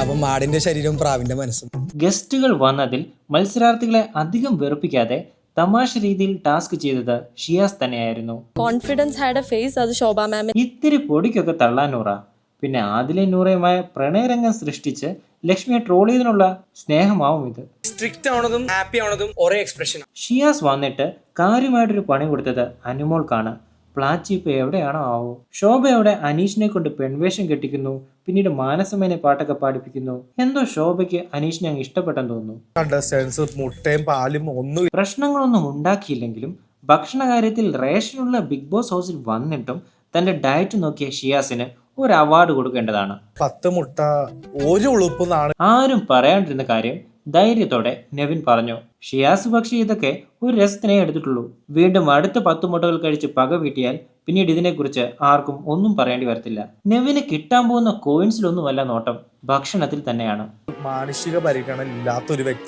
അപ്പം മാടിന്റെ ശരീരവും പ്രാവിന്റെ മനസ്സും. ഗസ്റ്റുകൾ വന്നതിൽ മത്സരാർത്ഥികളെ അധികം വെറുപ്പിക്കാതെ തമാശ രീതിയിൽ ടാസ്ക് ചെയ്തത് ഷിയാസ് തന്നെയായിരുന്നു. കോൺഫിഡൻസ് ഹാഡ് എ ഫേസ്, അത് ശോഭ മാം. ഇത്തിരി പൊടിക്കൊക്കെ തള്ളാൻ നൂറ. പിന്നെ ആദിലെ നൂറയുമായ പ്രണയരംഗം സൃഷ്ടിച്ച് ലക്ഷ്മിയെ ട്രോൾ ചെയ്തതിനുള്ള സ്നേഹമാവും ഇത്. സ്ട്രിക്റ്റ് ആവണതും ഹാപ്പി ആവണതും ഒരേ എക്സ്പ്രഷൻ. ഷിയാസ് വന്നിട്ട് കാര്യമായിട്ടൊരു പണി കൊടുത്തത് അനുമോൾക്കാണ്. പ്ലാച്ചി ഇപ്പൊ എവിടെയാണോ ആവോ. ശോഭയോടെ അനീഷിനെ കൊണ്ട് പെൺവേഷം കെട്ടിക്കുന്നു, പിന്നീട് മാനസമേനെ പാട്ടൊക്കെ പാടിപ്പിക്കുന്നു. എന്തോ ശോഭയ്ക്ക് അനീഷിനെ അങ്ങ് ഇഷ്ടപ്പെട്ടെന്ന് തോന്നുന്നു. മുട്ടയും പാലും ഒന്നും പ്രശ്നങ്ങളൊന്നും ഉണ്ടാക്കിയില്ലെങ്കിലും ഭക്ഷണ കാര്യത്തിൽ റേഷനുള്ള ബിഗ് ബോസ് ഹൗസിൽ വന്നിട്ടും തന്റെ ഡയറ്റ് നോക്കിയ ഷിയാസിന് ഒരു അവാർഡ് കൊടുക്കേണ്ടതാണ്. 10 മുട്ട ഒരു ഉളുപ്പുന്നാണ്. ആരും പറയാണ്ടിരുന്ന കാര്യം ധൈര്യത്തോടെ നെവിൻ പറഞ്ഞു. ഷിയാസ് പക്ഷേ ഇതൊക്കെ ഒരു രസത്തിനേ എടുത്തിട്ടുള്ളൂ. വീണ്ടും അടുത്ത 10 മുട്ടകൾ കഴിച്ച് പക വീട്ടിയാൽ പിന്നീട് ഇതിനെക്കുറിച്ച് ആർക്കും ഒന്നും പറയേണ്ടി വരത്തില്ല. നെവിന് കിട്ടാൻ പോകുന്ന കോയിൻസിലൊന്നുമല്ല നോട്ടം, ഭക്ഷണത്തിൽ തന്നെയാണ്. മാനുഷിക പരിഗണന ഇല്ലാത്തൊരു വ്യക്തി.